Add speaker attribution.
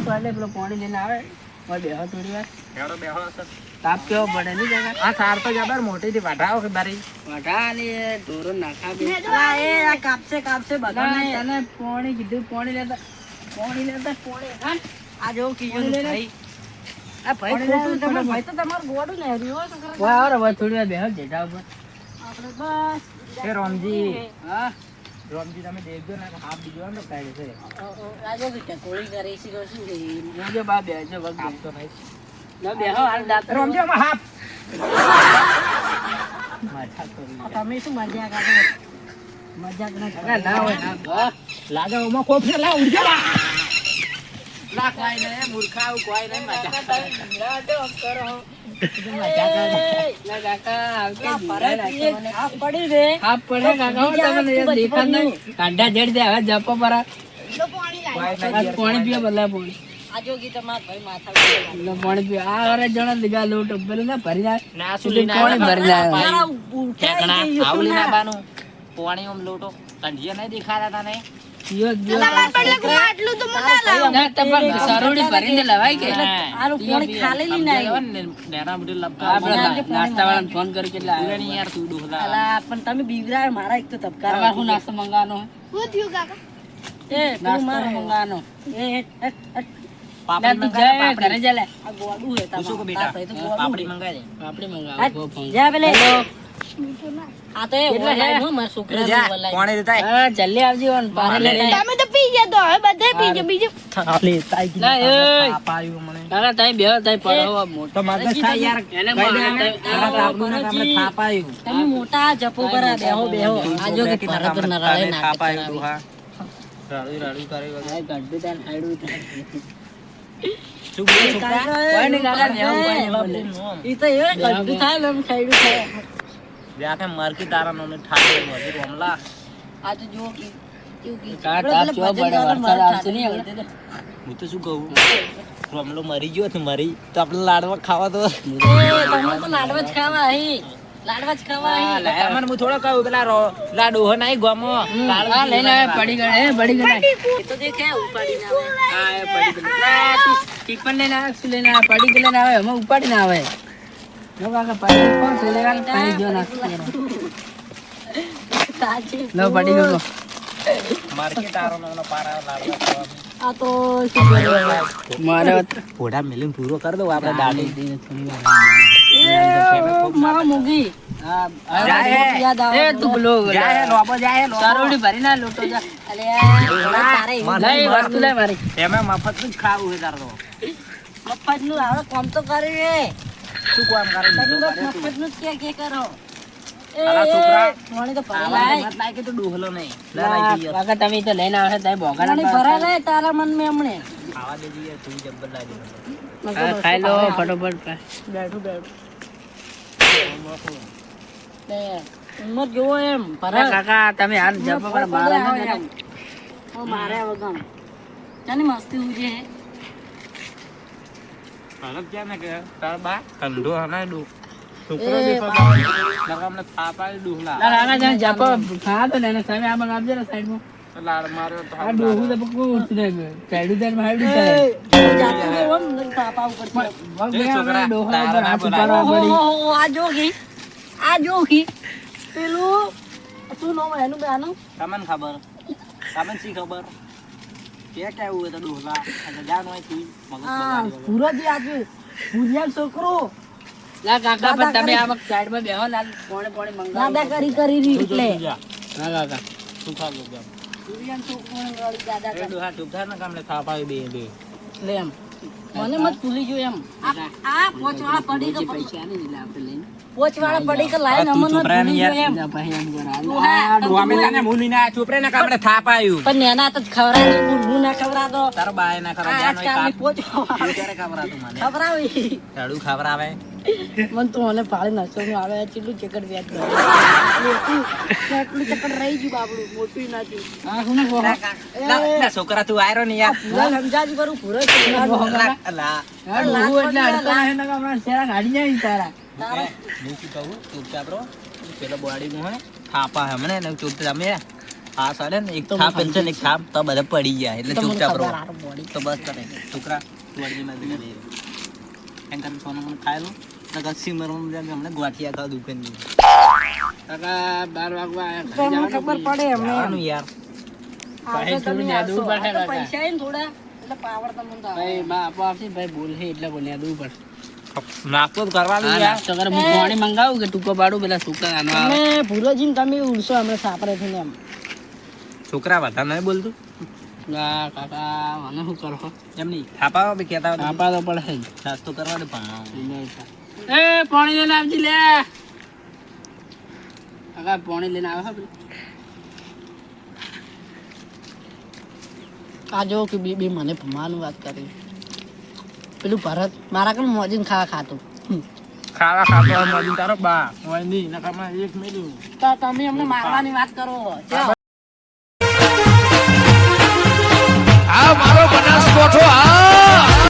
Speaker 1: તો એટલે પેલો પાણી લઈને આવે ઓય બેહો થોડી વાર
Speaker 2: હેડો બેહો સર
Speaker 1: તાપ કેવો પડે ની જગા
Speaker 2: આ સાર તો જબર મોટી થી વાઢાઓ કે બારી
Speaker 1: વઢા ને ઢોરો નાખા દે
Speaker 3: આ કાપશે બધા
Speaker 1: તને પાણી કીધું પાણી લેતા હા
Speaker 3: આ જો કીધું ભાઈ
Speaker 1: આ ભાઈ ખોટું તમે
Speaker 3: ભાઈ તો તમારું ગોડું ને હર્યું તો કરે
Speaker 1: વાહ અરે વાહ થોડી વાર બેહો જેઠા ઉપર
Speaker 3: આપણે બસ
Speaker 2: એ રોમજી
Speaker 1: હા
Speaker 2: રોમજી તમે દેખજો ને હાફ બીજો ને કાઢે છે
Speaker 3: આ જો કે કોળી કરી છે શું છે
Speaker 1: મુજે બા બેહજો વગ
Speaker 2: હાફ તો નહીં
Speaker 1: ના બેહો હાલ દાંત
Speaker 2: રોમજી આમાં હાફ
Speaker 1: માથા તો
Speaker 3: તમે શું મજાક કાઢો મજાક ના
Speaker 1: ના હોય ના
Speaker 2: લાગે ઓમાં કોપ છે લા ઉડજો લા
Speaker 1: લા કોઈ નહીં મૂર્ખા કોઈ નહીં મજા
Speaker 3: કરો
Speaker 1: ના કાકા આવકે
Speaker 3: આ પડી રે
Speaker 1: હાફ પડે કાકા તમને દેખાડ નહીં કાંડા જેડ દે હવે જપો પર પાણી પીવા બદલા પાણી
Speaker 3: આ જો કે તમાર ભાઈ માથા
Speaker 1: પાણી પીવા આ અરે જણા દીગા લોટ ઉપર ને ભરી જાય
Speaker 2: ના
Speaker 1: પાણી ભરી જાય
Speaker 2: ઠેકણા આવલી ના બાનું પાણી ઓમ લોટો કંઢિયા નહીં દેખાતા તને
Speaker 1: ના તપન સરોડી ભરીને લવાય કે
Speaker 3: આરું પાણી ખાલી લઈને આવ્યો
Speaker 2: નેના બધી
Speaker 1: આપણે નાસ્તા વાળાને ફોન કરી કેટલા
Speaker 2: લબકા યાર તું ડોહલા
Speaker 3: અલા પણ તમે બીવરાય મારા એક તો તબકાર
Speaker 1: તમારે શું નાસ્તો મંગાવાનો
Speaker 3: એ પેલું મારો મંગાનો એ
Speaker 2: પાપડી
Speaker 1: તું
Speaker 2: મંગાય
Speaker 1: જા ઘરે જા લે
Speaker 3: આ ગોડું હે
Speaker 2: પૂછું કે
Speaker 3: તમારા
Speaker 2: બેટા
Speaker 3: આ ભાઈ તો ગોડું
Speaker 2: પાપડી મંગાય દે
Speaker 1: આપણે મંગાવો
Speaker 3: હે જા પેલે આ તો એ ઓનલાઈન હો મારા છોકરા
Speaker 2: જા
Speaker 3: ઓનલાઈન
Speaker 2: પાણી દેતા
Speaker 1: હા જલ્દી આવજો ને પારે લે
Speaker 4: તમે તો પી ગયા તો હવે બધે પી ગયા બીજું
Speaker 2: થાલે તાઈ
Speaker 1: ના એ
Speaker 2: પાયું મને
Speaker 1: કાકા તાઈ બેહો તાઈ પડો મોટો
Speaker 2: તો મગજ થાય યાર
Speaker 1: એને
Speaker 2: આપણને આપણે થાપાયું
Speaker 3: તમે મોટા જપો પર બેહો આ જો કે પરત નરાળે
Speaker 2: થાપાયું
Speaker 3: નાખે
Speaker 2: ડોહા રાડું રાડું કરે
Speaker 1: ગડ્ડું તાન હાડું
Speaker 2: શું બોલે છોકરા
Speaker 1: કોઈ નહીં કાકા બેહો કોઈ નહીં
Speaker 3: ઈ તો એ ગડ્ડું થાય ને ખાઈડું થાય
Speaker 2: જાકે મરકી તારા નોને ઠાડે વધી રોમલા
Speaker 3: આ તો જો કે કેવું કે
Speaker 1: કા તાપ જો બડે વરસાદ આવશે નહીં હવે
Speaker 2: હું તો શું કહું રોમલો મરી ગયો તો મરી તો આપણે લાડવા ખાવા તો
Speaker 3: તમે તો લાડવા જ ખાવા હી લાડવા જ ખાવા હી
Speaker 2: તમને હું થોડો કહું પેલા લાડુ હો નહીં ગમો
Speaker 1: હા લઈને આવે પડી ગયો એ પડી ગયો
Speaker 3: એ તો દેખે ઉપાડી ના આવે
Speaker 1: હા એ પડી ગયો તું ટીપન લઈને આવે શું લઈને આવે પડી ગયો લઈને આવે અમે ઉપાડી ના આવે જો કાકા પડી કોણ છે લેવા પાણી જો નાખી
Speaker 3: સાચી
Speaker 1: લો પડી ગયો
Speaker 2: માર્કેટ તારો નોનો પારા લાડવા ખાવા
Speaker 3: આ તો શું કર્યું
Speaker 1: મારે
Speaker 2: ફોડા મિલિંગ પૂરો કરી દો આપણે દાડી
Speaker 3: મારા મુગી
Speaker 1: હા
Speaker 3: યાદ આવે
Speaker 1: એ તું બોલો
Speaker 2: જાય લોબો જાય
Speaker 1: સારોડી ભરી ના લોટો જા
Speaker 3: અલે તારે
Speaker 1: લઈ વસ્તુ લે મારી
Speaker 2: એમાં મફત જ ખાવું છે તાર તો
Speaker 3: મફત નું આવે કામ તો કરી રે
Speaker 2: શું કામ કરે
Speaker 3: તમે બસ મફત નું જ કે કરો એ
Speaker 2: અલા છોકરા.
Speaker 3: પાણી તો ભરાય
Speaker 2: આવા
Speaker 3: લાય
Speaker 2: મત લાગે તો ડોહલો નહીં
Speaker 1: કાકા તમે તો લઈને આવે તાઈ
Speaker 3: પાણી
Speaker 1: ભોગાના
Speaker 3: ભરાય લાય તારા મન મે હમણે
Speaker 2: ખાવા દેજે યાર તું જબ્બર લાગે
Speaker 1: ખાઈ લો ફટોફટ
Speaker 3: બેઠું લે ઉંમર જોવો એમ ભરાય
Speaker 1: કાકા તમે હાલ જપો પર મારે
Speaker 3: એમ ઓ મારે વગમ જાની મસ્તી ઉજે
Speaker 2: અલગ ક્યાં ને કે તાર બા કંડો હના ડો છોકરો
Speaker 3: એ
Speaker 2: દેખો લગા અમને થાપાય ડોહલા
Speaker 1: કાકા જાન જપો ખા તો ને તમે આ મંગાવજો ને સાઈડમાં
Speaker 2: લાડ માર્યો તો
Speaker 1: આ ડોહું તો બકો ઉઠી ને ચાડું દેન માડું
Speaker 3: એ જાતું રે ઓમ નઈ પાપા ઉપર છે
Speaker 2: છોકરા,
Speaker 1: ડોહા
Speaker 2: તારા
Speaker 1: હાથ
Speaker 2: ના
Speaker 1: ઉપાડવા પડી
Speaker 3: ઓહો આ જોગી પેલું શું નામ એનું બેનું
Speaker 2: તમને ખબર તમને શી ખબર કે કેવું હોય તો ડોહલા જાન હોય તું મગજ
Speaker 3: આ
Speaker 2: બગાડી
Speaker 3: સુરજ આજે ભુરિયા છોકરો
Speaker 1: લા કાકા પણ તમે આ સાઈડમાં બેહો ને કોણે કોણે મંગાવો
Speaker 3: દાદા કરી રી એટલે
Speaker 1: હા કાકા
Speaker 2: શું ખાવું કેમ
Speaker 3: ભુરિયા છોકરો વાળી દાદા
Speaker 2: એ ડોહા ચૂપ થાય ને કામને થાપાય બે
Speaker 3: લે એમ મને મત ભૂલી ગયો એમ આ પોચવાળા પડી કે
Speaker 1: પૈસા નહીં એટલે આપણે લઈને
Speaker 3: પોચવાળા પડી કે લાઈન અમન મત ભૂલી ગયો એમ
Speaker 1: જા ભાઈ એમ કરા
Speaker 3: ડોહા,
Speaker 2: ડોમીલાને મૂલીને આ ચૂપ રે ને કામને થાપાયું
Speaker 3: પણ નેના તો ખવરાય હું ના ખવરાતો
Speaker 2: તારો બાય ના ખરા જાન હોય
Speaker 3: આજકાલની
Speaker 2: કાપ
Speaker 3: પોચવા
Speaker 2: ત્યારે ખવરાતું મને
Speaker 3: ખવરાવી
Speaker 2: ઝાડુ ખવરાવે
Speaker 3: મન તો મને પાળી નાચવાનું આવે કેટલું ચકડ વ્યાજ કરે કેટલું ચકડ રહી ગયું બાબડું મોટું ના થયું
Speaker 1: હા હું ને
Speaker 2: ના છોકરા તું આયરો ને યાર
Speaker 3: પૂરા સમજાજી કરું પૂરો
Speaker 2: અલા
Speaker 1: ડોહું એટલે અડતા હે ને કાકા શેરા ગાડી જાય તારા
Speaker 2: હું શું કહું ચૂપચાપ રહો પેલો બોડી નું હે થાપા હે મને ને ચૂપ તમે હા સાડે ને એક
Speaker 3: તો
Speaker 2: થાપ
Speaker 3: મને
Speaker 2: પેન્શન એક થાપ તો બધા પડી ગયા એટલે
Speaker 3: તો મને
Speaker 2: ચૂપચાપ રહો
Speaker 3: ખબર હારું બોડી.
Speaker 2: તો બસ કરે છોકરા વળગી માં દે એમ કરીને સોનું મને ખાય લો તો સિમર હમણે ગોઠિયા ખાવ દુકાન ની
Speaker 1: કાકા 12 વાગવા આયા
Speaker 3: તો અમને ખબર પડે અમને એમ.
Speaker 2: જવાનું યાર
Speaker 3: આજે
Speaker 1: થોડું
Speaker 3: તમે
Speaker 1: યાદ
Speaker 3: આવશો.
Speaker 1: પડે
Speaker 3: આ તો
Speaker 1: કાકા.
Speaker 3: પૈસા આય ને થોડા એટલે પાવર તમને તો આવે.
Speaker 1: ભાઈ બા આપો આપશે ભાઈ બોલ છે એટલે બોલ્યા દઉં પણ
Speaker 2: નાસ્તો જ કરવાનું
Speaker 1: હા,
Speaker 2: યાર
Speaker 1: નાસ્તો કરે હું પાણી મંગાવું કે ટૂંકો પાડું પેલા સુકા આનો આવે.
Speaker 3: તમે ભૂલોજીને તમે ઉડશો હમણાં સાપરેથી ને એમ.
Speaker 2: છોકરા વધારે નહીં બોલતું
Speaker 1: ના કાકા મને શું કરો
Speaker 2: એમ નહીં થાપા બી કહેતા હોય
Speaker 1: આપા તો પડે જ.
Speaker 2: નાસ્તો કરવાનો પણ
Speaker 1: એ પાણી લઈને આવજી લે કાકા પાણી લઈને આવે હા પેલું.
Speaker 3: આ જો કે બે મને ભમાવાનું વાત કરી પેલું ભરત મારા કણ મોજીને ખાતું.
Speaker 2: ખાવા ખાતો મળી તારો બા હોય નહીં નકામાં એક મેલ્યું
Speaker 3: તો તમે અમને મારવાની વાત કરો. ચા